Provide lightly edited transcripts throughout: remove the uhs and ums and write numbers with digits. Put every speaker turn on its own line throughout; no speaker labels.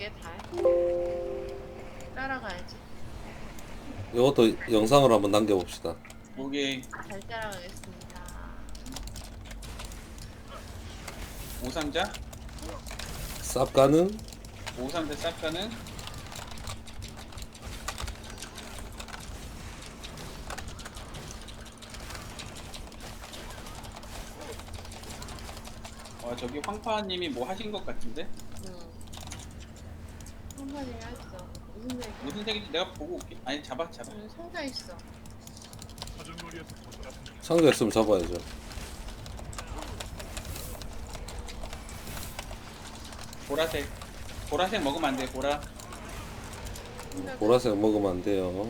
줄게 달. 따라가야지.
이것도 영상으로 한번 남겨봅시다.
오케이.
잘 따라가겠습니다.
오상자?
쌉 가능?
오상자 싹 가는? 저기 황파님이 뭐 하신 것 같은데?
응. 한마디 했어. 무슨 얘기?
무슨 색인지 내가 보고 올게. 아니 잡아.
응, 상자 있어.
상자 있으면 잡아야죠.
보라색. 보라색 먹으면 안 돼. 보라.
상자
보라색 먹으면 안 돼요.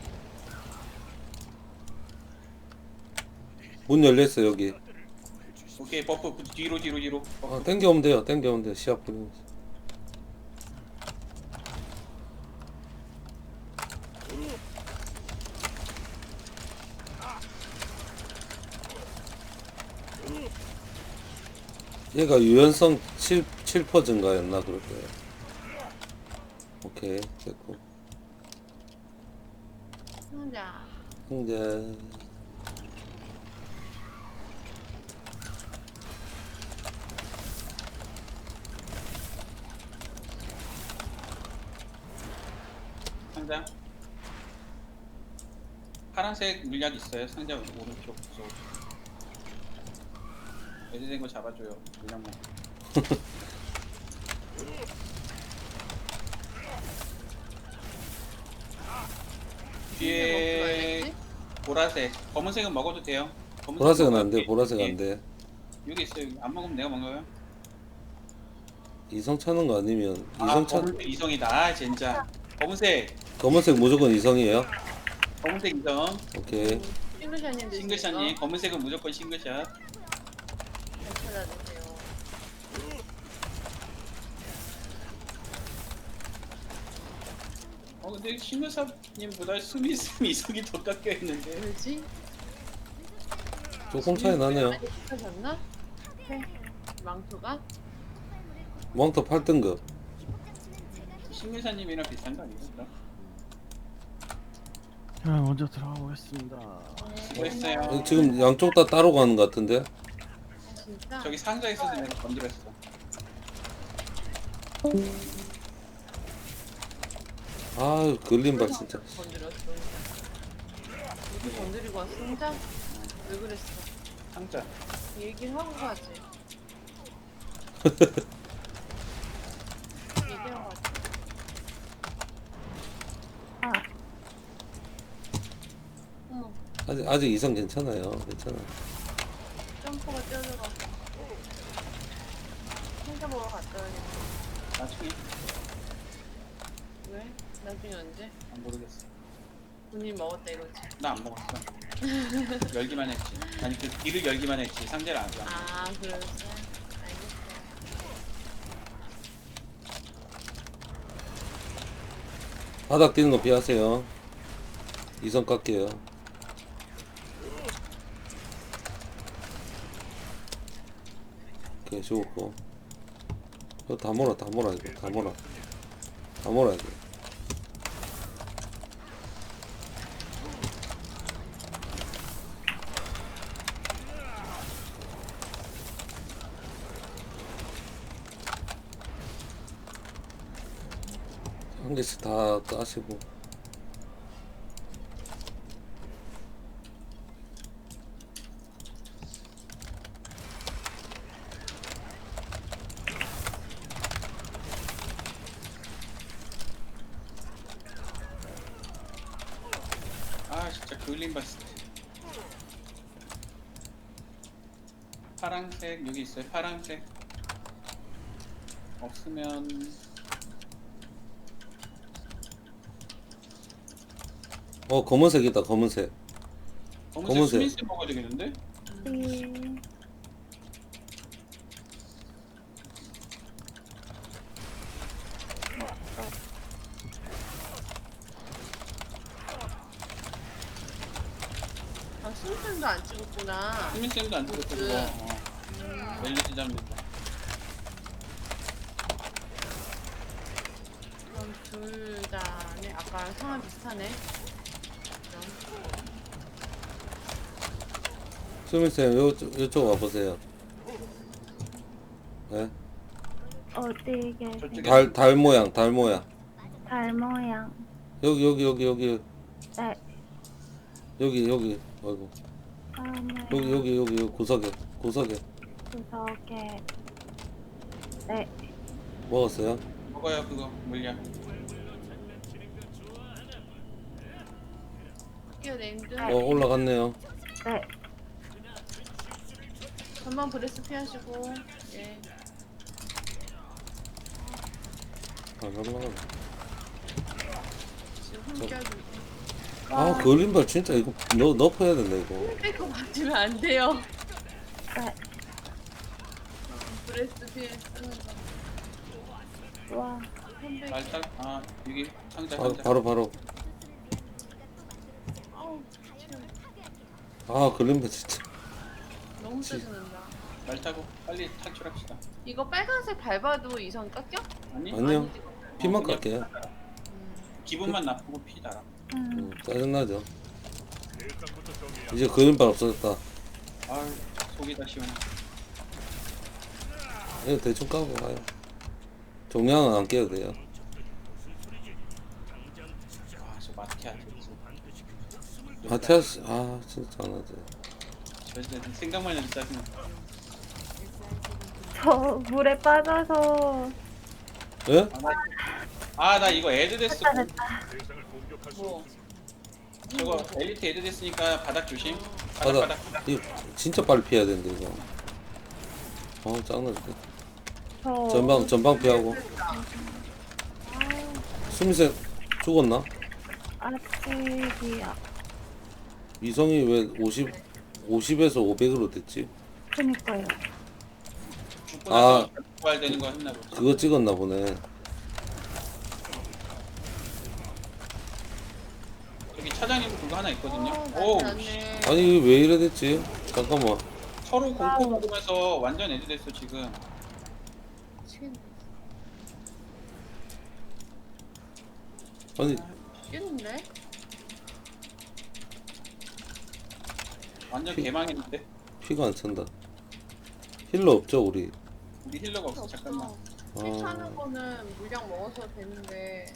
문 열려있어 여기.
오케이 버프 뒤로.
아, 땡겨오면 돼요. 땡겨오면 돼요. 시합 뿌리면서. 얘가 유연성 7% 증가였나 그럴 거예요. 오케이 됐고.
상자.
이제
상자. 파란색 물약 있어요. 상자 오른쪽 구석. 애들된 거 잡아줘요. 물약 먹. 뒤에 보라색, 검은색은 먹어도 돼요.
보라색은 안 돼.
여기,
보라색
여기,
안 돼.
여기 있어요. 여기. 안 먹으면 내가 먹어요.
이성 차는 거 아니면
아,
이성 차.
검은색 이성이다. 아, 진짜. 검은색,
검은색 무조건 이성이에요.
검은색 이성.
오케이.
싱글샷님 드세요.
싱글샷님, 검은색은 무조건 싱글샷.
잘 찾아주세요.
근데 싱글샷님보다 스미스 이성이 더 깎여 있는데.
왜지?
조금 차이 나네요.
많이 비싸졌나? 네. 망토가?
멍터 8등급.
싱글샷님이랑 비슷한 거 아니겠어?
자, 먼저 들어가 보겠습니다.
수고했어요.
지금 양쪽 다 따로 가는 것 같은데.
진짜?
저기 상자 있어서 내가 건드렸어.
아유 걸림발 진짜.
건드렸어. 누구 건드리고 왔어? 혼자? 왜 그랬어?
상자.
얘기를 하고 가지. 얘기하고 가지. 어머,
아직 이성 괜찮아요. 괜찮아.
점프가 뛰어들어가. 혼자 보러 갔다 와야겠다.
나중에
왜? 나중에 언제?
안 모르겠어.
본인 먹었다 이거지.
나 안 먹었어. 열기만 했지. 아니 그 길을 열기만 했지. 상자를 안 줘.
아, 그랬어? 알겠어.
바닥 뛰는 거 피하세요. 이성 깎게요. 오케이 좋고. 이거 다 몰아 이거 다 몰아. 다 몰아야 돼. 한 개씩 다 까시고.
아 진짜 그을림 봤을 때. 파란색 여기 있어요. 파란색. 없으면
검은색이다 검은색.
검은색
검은색.
스미스 먹어야 되겠는데?
아, 술탄도 안 찍었구나.
스미스도 안 들었어 그거. 멜리스 잡는다.
둘 다네. 아까 상황 비슷하네. 그럼.
수민쌤 요쪽 와보세요. 네?
어디 계세요?
저쪽에
달 모양
달 모양.
여기
네.
여기 아이고
달 모양.
여기 구석에
구석에. 네.
먹었어요?
먹어요 그거 물량.
학교 네임드.
올라갔네요.
네.
전방 브레스 피하시고. 예.
안 올라가.
지금 흠 껴주고.
아 걸림발 진짜 이거 넣어야 된다 이거.
빼고 맞으면 안 돼요.
네.
브레스 피해 쓰는 거.
와.
홈백.
말딱 아 여기 상자
바로
아우, 치료.
아 걸림발 진짜.
너무 짜증난다.
말 타고 빨리 탈출합시다.
이거 빨간색 밟아도 이성 깎여?
아니
아니요.
아니지.
피만
그냥
깎게요.
기분만 나쁘고 피 달아.
짜증나죠. 이제 걸림발 없어졌다.
아유 속이 다 시원해.
이거 대충 까고 가요. 종량은 안 깨도 돼요.
아저 마티아
마티아스 진짜 안 하죠.
저 생각만 해도 짜증나.
저 물에 빠져서
예?
아나 이거 애드 됐어.
뭐?
저거 엘리트 애드 됐으니까 바닥 조심.
바닥.
바닥.
이거 진짜 빨리 피해야 되는데 이거. 짱나 죽겠다.
저
전방 피하고. 수미쌤 죽었나?
아직이야.
위성이 왜 50에서 500으로 됐지?
그니까요.
죽고
아.
나서 부활되는 거 했나 보지.
그거 찍었나 보네.
여기 차장님 그거 하나 있거든요.
오,
오
맞네.
아니 이게 왜 이래 됐지? 잠깐만.
서로 공포 먹으면서 완전 애드 됐어 지금.
미치겠네.
아니
뛰는데?
완전 개망했는데.
피가 안 찬다. 힐러 없죠 우리?
우리 힐러가 없어. 잠깐만.
피 차는 거는 물량 먹어서 되는데.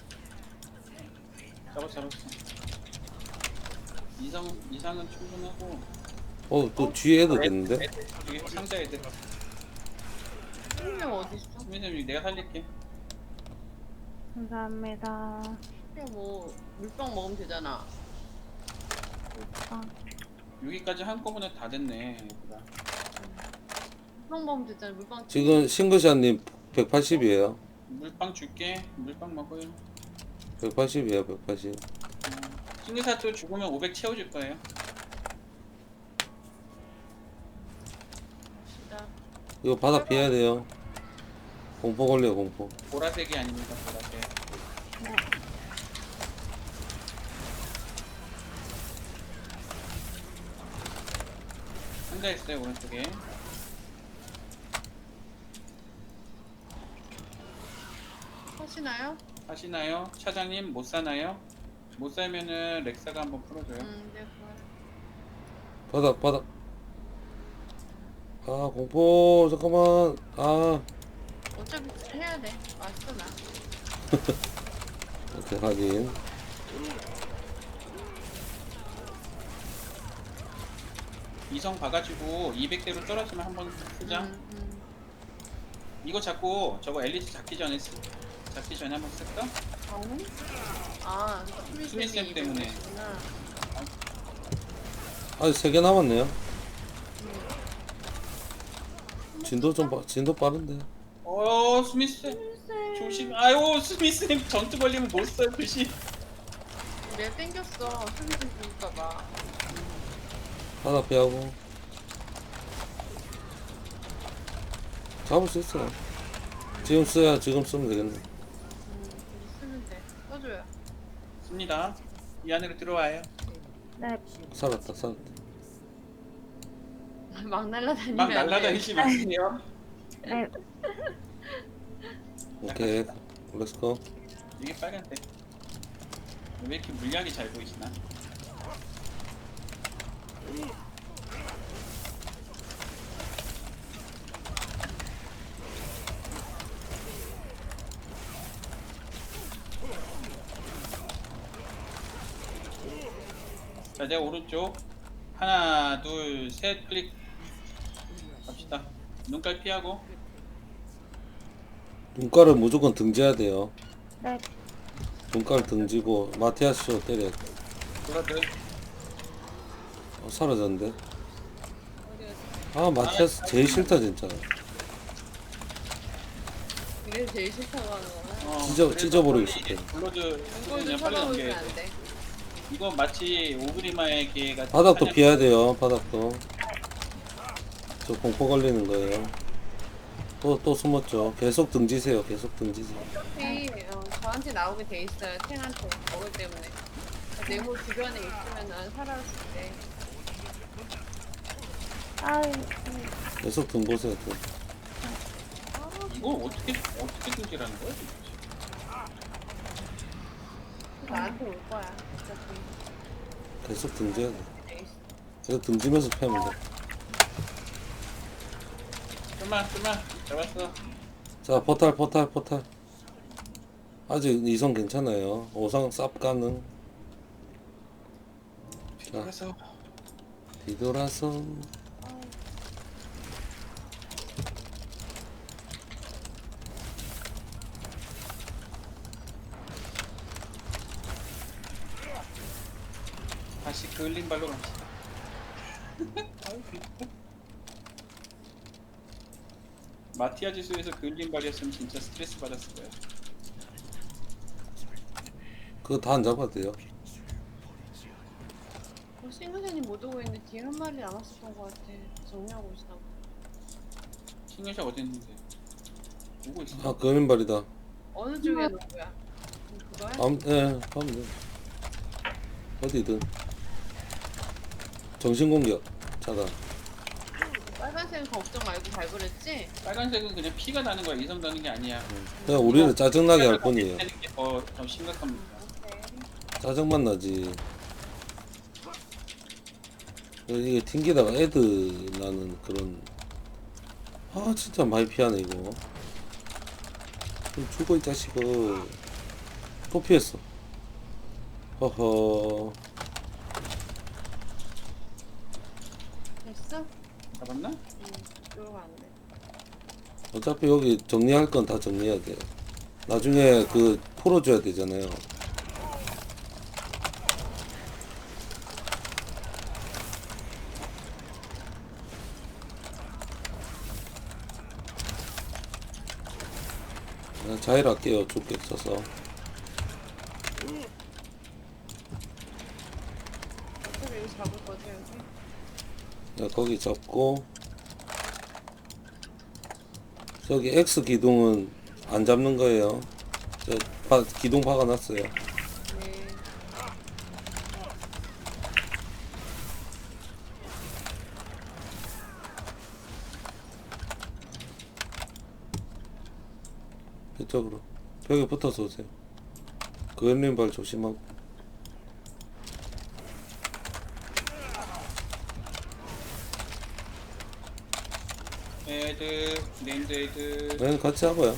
잡았어. 이상은 충분하고.
또 뒤에 해도 됐는데?
애들, 여기 상자 애들.
생명 어디 있어?
선생님 내가 살릴게.
감사합니다.
그냥 뭐 물병 먹으면 되잖아.
여기까지 한꺼번에 다 됐네. 얘들아.
물병 먹으면 되잖아. 물병.
지금 싱글샷님 180이에요.
물빵 줄게. 물빵 먹어요.
180이에요 180.
신기사또 죽으면 500 채워줄 거예요.
갑시다.
이거 바닥 피해야 돼요. 공포 걸려요 공포.
보라색이 아닙니다. 보라색. 상자 있어요 오른쪽에.
하시나요?
하시나요? 차장님 못 사나요? 못 살면은 렉사가 한번 풀어줘요.
네, 그거.
바닥. 공포 잠깐만.
어차피 해야 돼. 왔어 나.
오케이 확인.
이성 봐가지고 200대로 떨어지면 한번 쓰자. 이거 잡고 저거 엘리트 잡기 전에 한번 쓸까? 수미쌤 때문에.
아직 3개 남았네요. 진도 빠른데.
스미스 조심. 아유 스미스님 전투 걸리면 못 써요 조심.
내가 땡겼어. 수미쌤 죽을까봐.
바닥 피하고. 잡을 수 있어요. 지금 쓰면 되겠네.
쓰면 돼. 써줘요.
씁니다. 이 안으로 들어와요.
네.
살았다.
막 날라다니면
막
안 돼.
날라다니지 마세요.
네.
오케이. 렛츠고.
이게 빨간색. 왜 이렇게 물약이 잘 보이시나? 자, 내 오른쪽 하나, 둘, 셋 클릭 갑시다. 눈깔 피하고.
눈깔을 무조건 등져야 돼요.
네.
눈깔 등지고 마티아스 때려.
브라드.
사라졌는데. 아 마티아스 제일 싫다 진짜.
이게 제일 싫다고 하는 거야.
찢어버리고 싶대.
블러드
이걸
그냥
좀
빨리
쳐다보면
넘겨야
안
돼.
돼.
이건 마치 오그리마의 같은
바닥도
사냥-
피해야 돼요. 바닥도. 저 공포 걸리는 거예요. 또 숨었죠. 계속 등지세요. 계속 등지세요.
어차피 저한테 나오게 돼 있어요. 탱한테 먹을 때문에. 네모 주변에 있으면은 살아올 수 있대.
아이,
계속 등 보세요. 등.
이거 어떻게 등지라는 거야?
나한테 올 거야. 어차피
계속 등져야 돼.
돼 있어.
계속 등지면서 패면 돼.
좀만 잡았어.
자 포탈. 아직 2성 괜찮아요. 5성 쌉 가능.
뒤돌아서.
뒤돌아서.
다시 그을린 발로 갑시다. 마티아 지수에서 그을린 발이었으면 진짜 스트레스 받았을 거야.
그거 다 안 잡아도 돼요.
싱글전이 못 오고 있는데 뒤에 한 마리 남았었던 것 같아. 정리하고 있어.
싱글샷 어디 있는데? 오고 있어.
아 그린발이다.
어느 쪽에 놓은 거야? 그거야?
하면 돼. 어디든. 정신공격 차단.
빨간색은 걱정 말고 밟으랬지?
빨간색은 그냥 피가 나는 거야. 이성 나는 게 아니야.
그냥 우리를 짜증나게 할 뿐이에요.
되는 게 더 심각합니다.
오케이.
짜증만 나지. 이게 튕기다가 애드 나는 그런. 아 진짜 많이 피하네 이거. 좀 죽어 이 자식아. 또 피했어. 허허.
됐어?
잡았나?
이쪽으로 가면 돼.
어차피 여기 정리할 건 다 정리해야 돼. 나중에 그 풀어줘야 되잖아요. 자일 할게요. 죽게 써서.
어차피 여기 잡을 거지 여기?
거기 잡고 저기 X 기둥은 안 잡는 거예요. 기둥 박아놨어요.
네.
이쪽으로 벽에 붙어서 오세요. 그 왼발 조심하고.
애드, 네임드 애드.
네, 같이 하고요.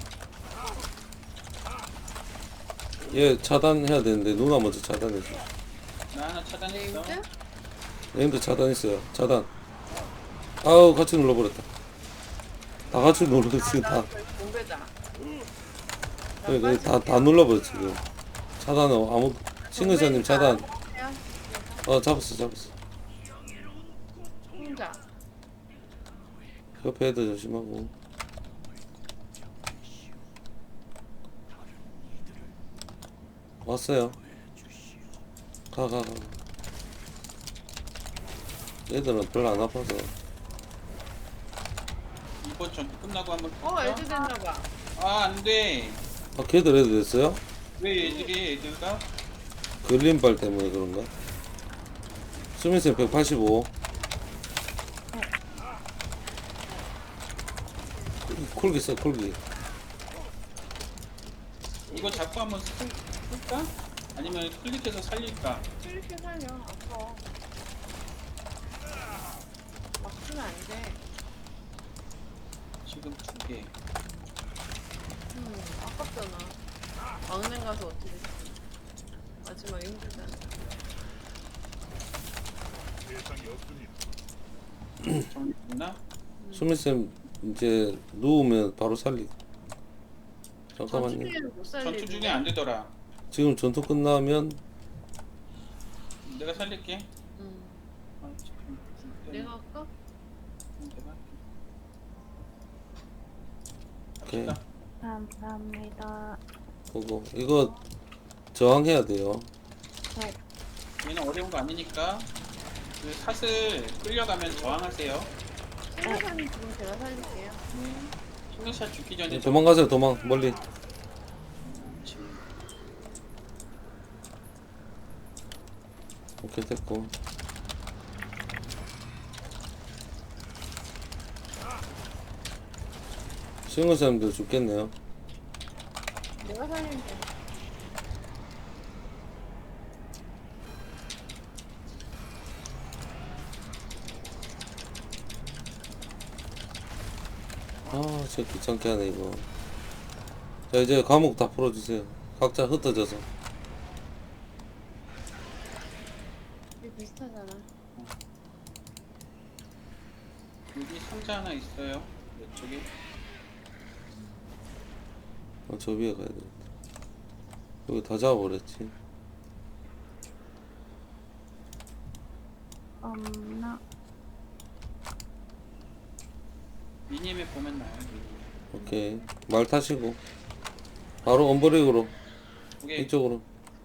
얘 차단해야 되는데 누가 먼저 차단해줘.
나 하나 차단했어.
네임드?
네임도 차단했어요. 차단. 아우 같이 눌러버렸다. 다 같이 눌러지금 다.
공배다.
다 눌러버려 지금. 차단은 아무 싱글샤님 차단. 잡았어.
혼자.
옆에 애들 조심하고. 왔어요. 가. 얘들은 별로 안 아파서.
이번 전투 끝나고 한번
애들 됐나봐.
아, 안 돼.
걔들 애들 됐어요?
왜 애들가?
그린발 때문에 그런가? 수민쌤 185. 쿨기 써 쿨기.
이거 잡고 한번 쓸까? 아니면 클릭해서 살릴까?
이렇게 살려. 아까 막 쓰면 안 돼.
지금 2개.
아깝잖아. 막내 가서 어떻게 됐어? 마지막에 힘들잖아.
정리됐나?
수민쌤 이제 누우면 바로 살리.
전투
잠깐만요.
중에는 못
전투
살리는데.
중에 안 되더라.
지금 전투 끝나면
내가 살릴게.
응.
아, 잠깐만.
내가 할까?
내가 할게.
오케이.
갑시다.
감사합니다.
보고 이거 저항해야 돼요.
네.
얘는 어려운 거 아니니까 그 샷을 끌려가면 저항하세요.
생각하는 지금 제가 살릴게요.
싱글샷 죽기 전에
도망가세요. 도망 멀리. 오케이 됐고. 싱글쌤도 죽겠네요.
내가 살리면 돼.
아 진짜 귀찮게 하네 이거. 자 이제 과목 다 풀어주세요. 각자 흩어져서.
이게 비슷하잖아.
여기 상자 하나 있어요. 이쪽에.
저 위에 가야 되겠다. 여기 다 잡아버렸지.
없나?
미니맵 보면 나요.
오케이 말 타시고 바로 언버릭으로
오케이.
이쪽으로.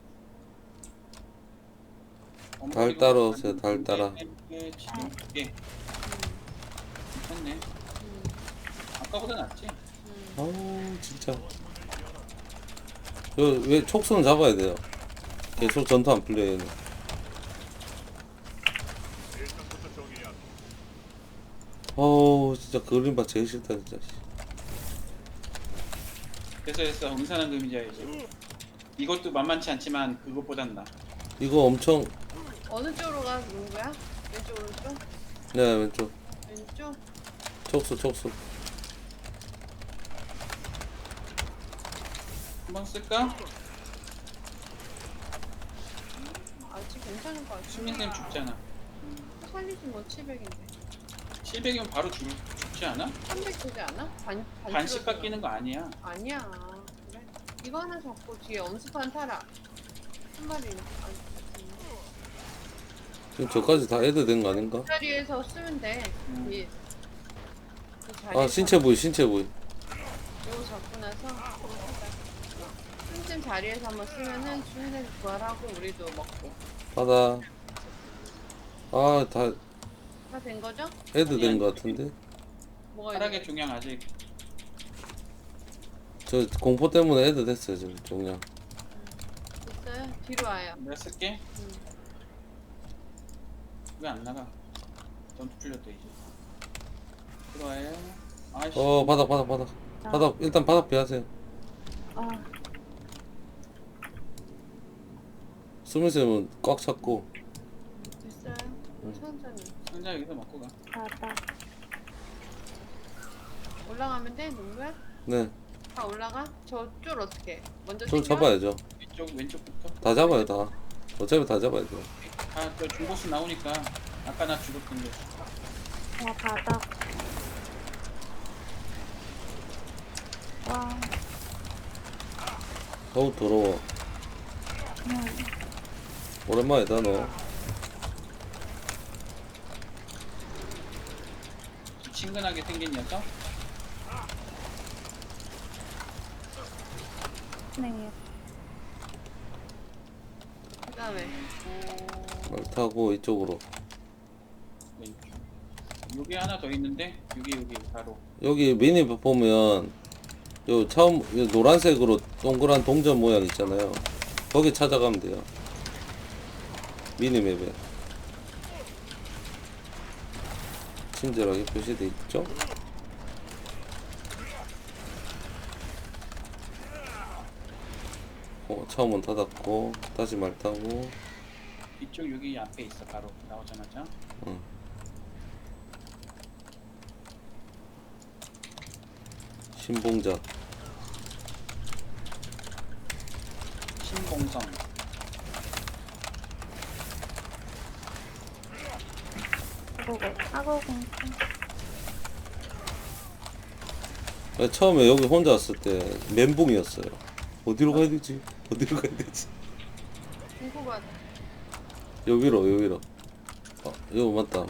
달 따라 오세요, 달 따라.
지금 2개. 괜찮네. 아까보다 낫지?
아우 진짜. 왜 촉수는 잡아야 돼요. 계속 전투 안 풀려요 얘는. 어우 진짜 그림바 제일 싫다 진짜.
됐어. 응산한 금이자야지. 이것도 만만치 않지만 그것보단 나.
이거 엄청.
어느 쪽으로 가는 거야? 왼쪽 오른쪽?
네 왼쪽.
왼쪽?
촉수.
한번 쓸까?
아직 괜찮을 것 같아.
수민쌤 죽잖아.
살리지 뭐 700인데.
700이면 바로 죽지 않아?
300 되지 않아?
반씩
찍어서.
깎이는 거 아니야.
아니야. 그래? 이거 하나 잡고 뒤에 엄수판 타라. 한 마리.
지금 저까지 다 애드 된 거 아닌가?
그 자리에서 쓰면 돼. 이, 그 자리에서.
아 신체 부위.
이거 잡고 나서 틈틈 자리에서 한번 쓰면은 수민이 부활하고 우리도 먹고.
바다. 아 다
다 된 거죠?
애드 된 거 같은데.
뭐가
하락의
있는
종양 아직.
저 공포 때문에 애드 됐어요 지금 종량.
있어요? 뒤로 와요.
내가 쓸게.
응.
왜 안 나가? 전투 풀렸다 이제. 들어와요. 아이씨.
바닥 일단 바닥 비하세요.
아,
수민쌤은 꽉 찼고.
됐어요? 천천히.
상자 여기서 먹고 가.
바닥.
올라가면 돼? 농구야?
네.
다 올라가? 저쪽 어떻게? 먼저
저
챙겨?
잡아야죠.
왼쪽부터.
다 잡아요 다. 어차피 다 잡아야 돼요.
저 중보스 나오니까 아까 나 죽었던데.
바닥. 와,
어우 더러워. 오랜만이다 너.
친근하게 생긴 녀석.
네.
그 다음에
말 타고 이쪽으로.
왼쪽. 여기 하나 더 있는데 여기 바로.
여기 미니 보면 요 처음 요 노란색으로 동그란 동전 모양 있잖아요. 거기 찾아가면 돼요. 미니맵에 친절하게 표시돼 있죠. 처음은 닫았고 다시 말 타고.
이쪽 여기 앞에 있어. 바로 나오자마자.
응. 신봉자.
신봉성.
사고 공포.
처음에 여기 혼자 왔을 때 멘붕이었어요. 어디로 가야 되지? 어디로 가야 되지?
궁금하다.
여기로. 여기 맞다.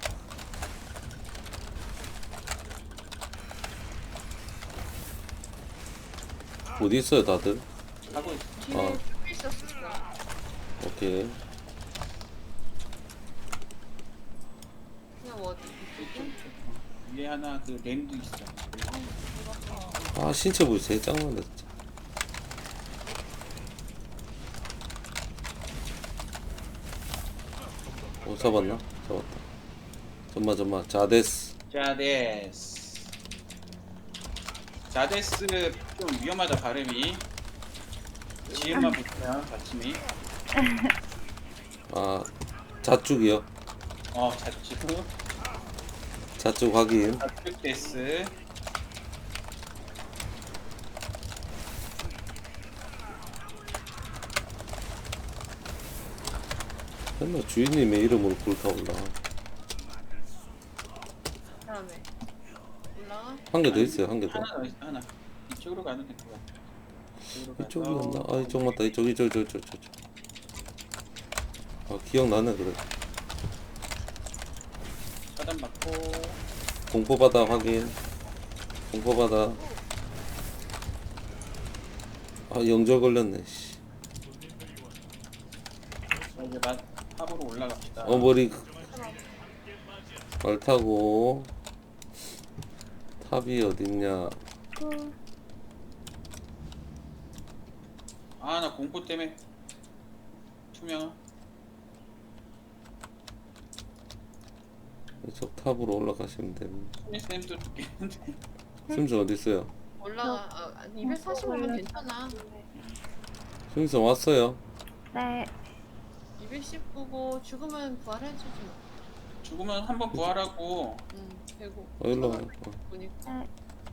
어디 있어요, 다들?
하고 있어.
뒤에
아.
쭉 있었어.
오케이.
그냥 어디?
이쪽. 위에 하나 그 램도 있어.
아, 신체 부위 제일 짱난다, 진짜. 잡았나? 잡았다. 점마. 자데스.
자데스 좀 위험하다 발음이. 지음만 붙으면 받침이.
아, 자축이요.
자츠.
자축 확인.
자츠데스.
맨날 주인님의 이름으로 불타올라.
다음에 올라가.
한 개 더 있어요, 한 개 더.
하나 더 있어. 하나. 이쪽으로 가도 될 것 같아.
이쪽이었나? 아, 이쪽 맞다. 이쪽. 아, 기억나네, 그래.
차단 받고.
공포바다 확인. 공포바다. 아, 영절 걸렸네, 씨.
이제 탑으로 올라갑시다.
머리. 말 타고. 탑이 어딨냐.
나 공포 때문에 투명.
이쪽 탑으로 올라가시면 됩니다.
쌤도 죽겠는데.
심슨 어딨어요?
올라가. 245면 괜찮아.
심슨 왔어요.
네.
219고 죽으면 부활해주지 뭐.
죽으면 한번 부활하고.
되고.
일로 와.
보니까.
네.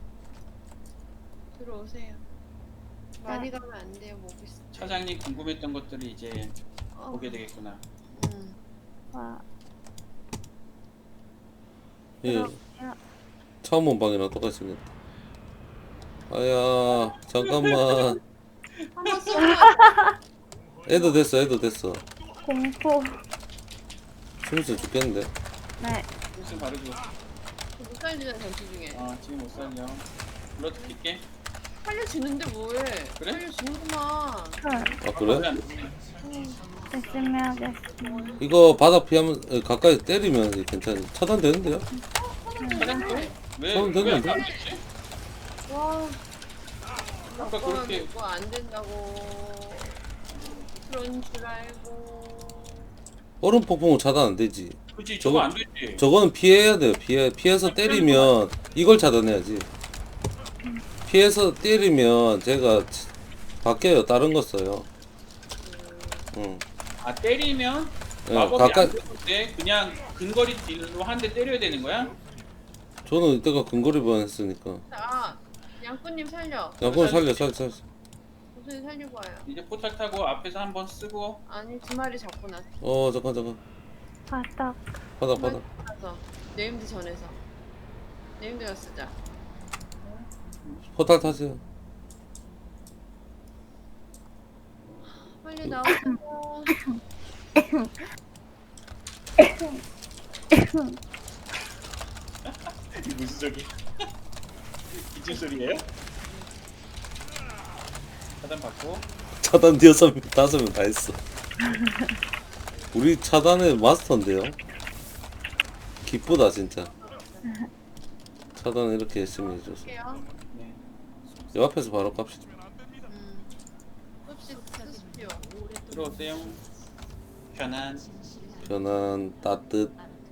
들어오세요. 많이 가면 안 돼요, 모비스.
차장님 궁금했던 것들을 이제 보게 되겠구나.
와.
예. 처음 온 방이랑 똑같습니다. 아야, 잠깐만.
한번 쏘고
애도 됐어.
공포.
심슨 죽겠는데.
네.
무슨 바로 죽어.
못 살리잖아, 전투 중에.
지금 못 살려. 불러드릴게.
살려주는데 뭐해?
그래?
살려주는구만.
아, 그래?
왜안 되지?
열심히 하겠습니다.
이거 바닥 피하면, 가까이 때리면 괜찮아. 차단되는데요?
차장도? 왜?
처음
왜안
됐는데?
되지?
와.
아까 그렇게
이거 안 된다고. 그런 줄 알고.
얼음 폭풍은 차단 안 되지.
그치
저거-
저거 안 되지.
저거는 피해야 돼요. 피해서 때리면 이걸 차단해야지. 피해서 때리면 제가 바뀌어요. 다른 거 써요. 응.
때리면
예,
마법이
가까이.
안 되는데 그냥 근거리 딜로 한 대 때려야 되는 거야?
저는 이때가 근거리만 했으니까.
자, 양꾼님 살려.
양권 살려.
도순이 살리고 와요.
이제 포탈 타고 앞에서 한번 쓰고.
아니, 두 마리 잡고 나서.
잠깐.
바닥.
바닥.
가서. 네임드 전에서. 네임드가 쓰자.
포탈 타세요.
빨리 나오세요.
무슨 소리? 기침 소리예요? 차단 받고.
차단 5명 다 했어. 우리 차단의 마스터인데요. 기쁘다 진짜. 차단 이렇게 열심히 해줘서.
할게요.
네.
요 앞에서 바로 갑시다.
흡식 하십시오.
들어오세요.
편안, 따뜻.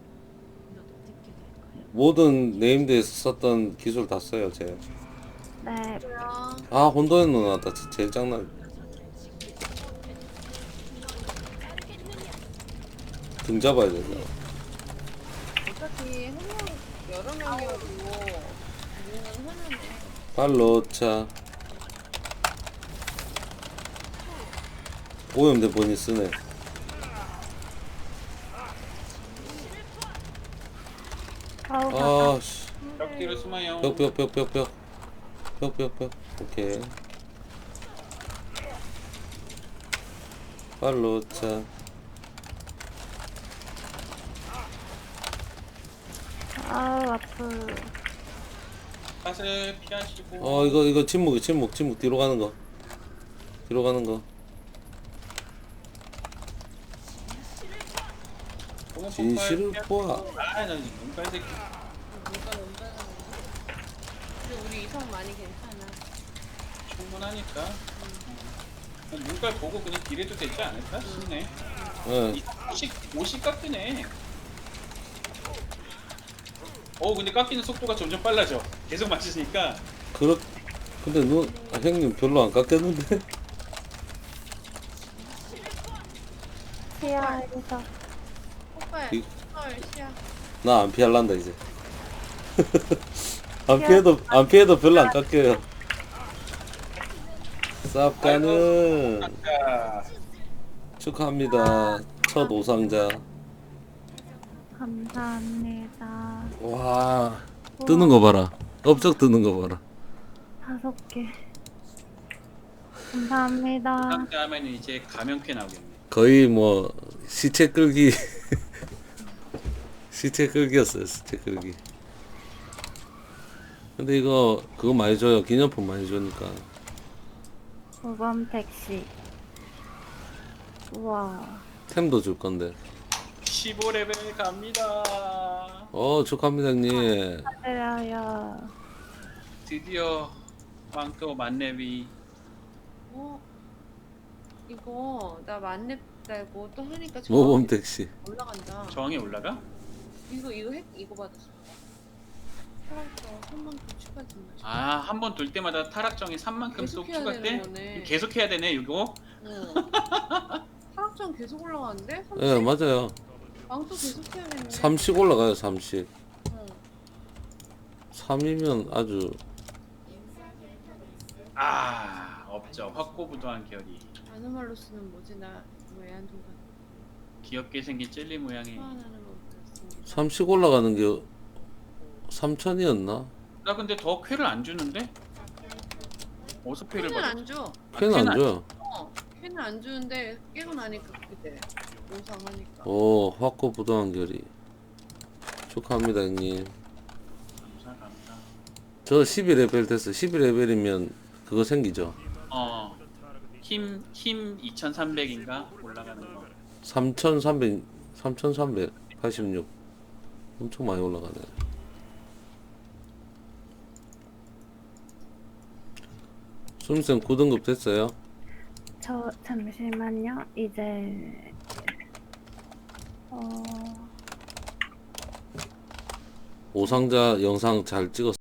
모든 네임드에서 썼던 기술 다 써요, 제.
네.
뭐야?
아, 혼돈의 누나, 나 진짜 제일 짱나. 등 잡아야 되잖아.
어차피 한 명, 여러 명이어도 우리는 하나네.
발로 차. 오염된 본이 쓰네.
아우 바닥.
아씨.
벽 뒤로 숨어요.
벽. 오케이. 발로 차.
아우 아프.
샷을 피하시고.
이거 침묵 뒤로 가는 거.
공은
진실을
폭발
보아.
아, 나 눈깔 새끼.
누가 넘자는 근데 우리 이성 많이 괜찮아.
충분하니까. 눈깔 보고 그냥 딜해도 되지 않을까 싶네.
예.
50 깎이네. 근데 깎이는 속도가 점점 빨라져. 계속 맞추니까.
근데 형님 별로 안 깎였는데?
시야에서
폭발,
이-
헐, 시야.
나 안 피할란다 이제. 안 피해도 별로 안 깎여요. 쌉가는
아,
축하합니다. 첫 우상자.
감사합니다.
와, 뜨는 거 봐라. 업적 뜨는 거 봐라.
5개. 감사합니다.
상자 하면 이제 가면캐 나오겠네.
거의 뭐 시체 끌기 시체 끌기였어요. 시체 끌기. 근데 이거 그거 많이 줘요. 기념품 많이 주니까.
모범 택시. 우와.
템도 줄 건데.
15레벨 갑니다.
축하합니다 형님.
축하드려요.
드디어 왕도 만렙이.
이거 나 만렙 달고 또 하니까
모범 택시.
올라간다.
저항이 올라가?
이거 받았어. 사람처럼 3만큼 추가된다.
한 번 돌 때마다 타락정이 3만큼 쏙
계속 해야
추가돼?
되는 거네.
계속 해야 되네 이거?
응. 타락전 계속 올라가는데? 30?
예, 맞아요.
왕도 계속 해야겠네.
3씩 올라가요. 3씩.
응.
3이면 아주
없죠. 확고부도한 결이.
아노말로스는 뭐지? 나 애완동반
귀엽게 생긴 젤리 모양의.
소환하는 거 같습니다.
3씩 올라가는 게 3천이었나?
나 근데 더 쾌를 안 주는데? 어디서 쾌를
쾌는
받아?
안 줘.
쾌는 안 줘요.
쾌는 안 주는데 깨고 나니까 그렇게 돼. 오상하니까.
확고부도한 결이. 축하합니다 형님.
감사합니다.
저 12레벨 됐어. 12레벨이면 그거 생기죠.
힘 2300인가 올라가는 거.
3386. 엄청 많이 올라가네. 수미쌤 9등급 됐어요?
저 잠시만요. 이제
오상자 영상 잘 찍었어.